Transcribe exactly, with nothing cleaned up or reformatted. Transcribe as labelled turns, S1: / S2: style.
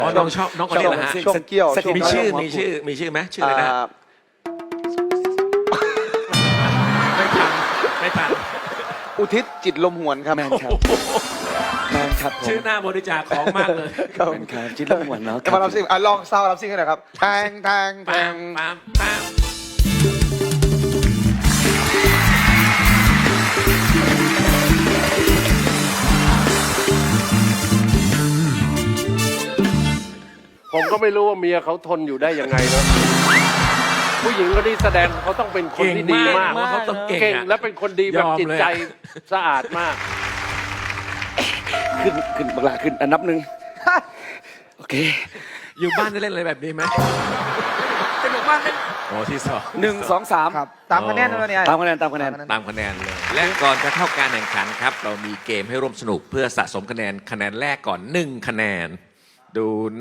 S1: อ๋อน้องชอบน้องคนนี้เหรอฮะ
S2: ช่วงเกี่ยว
S3: สกิป
S1: มีชื่อมีชื่อมีชื่อไหมชื่ออะไรนะ
S2: อ่า
S1: ไม่ทันไม่ทัน
S2: อุทิศจิตลมหวนครับ
S3: แมนครับแมนครับผม
S1: ชื่อหน้าบริจาคของมากเลย
S2: ครับ
S3: แมนครับจิตละหวนเนาะ
S2: จะมารับซิ่งอ่ะลองซาวรับซิ่งกันหน่อยครับแทงแทงแท
S1: ปาง มปามปาม
S4: ผมก็ไม่รู้ว่าเมียเขาทนอยู่ได้ยังไงเนอะผู้หญิงคนนี้แสดงเขาต้องเป็นคน
S1: เก่ง
S4: ที่ดี
S1: มาก
S4: มาก
S1: ว่าเขาต้องเก่ง
S4: เก่ง
S1: อะ
S4: และเป็นคนดีแบบ
S1: ยอม
S4: จิต
S1: เลย
S4: ใจ
S1: อะ
S4: สะอาดมาก
S3: ขึ้นขึ้นบักลาขึ้นอันนับหนึ่งโอเค
S1: อยู่บ้านได้เล่นอะไรแบบนี้ไหมสนุกมากเลยโอ้ที่สอง
S3: หนึ่งสองสาม
S2: ครับตามคะแนนเลยเนี่ย
S3: ตามคะแนนตามคะแนน
S1: ตามคะแนนเลย และก่อนจะเข้าการแข่งขันครับ เรามีเกมให้ร่วมสนุกเพื่อสะสมคะแนนคะแนนแรกก่อนหนึ่งคะแนนดู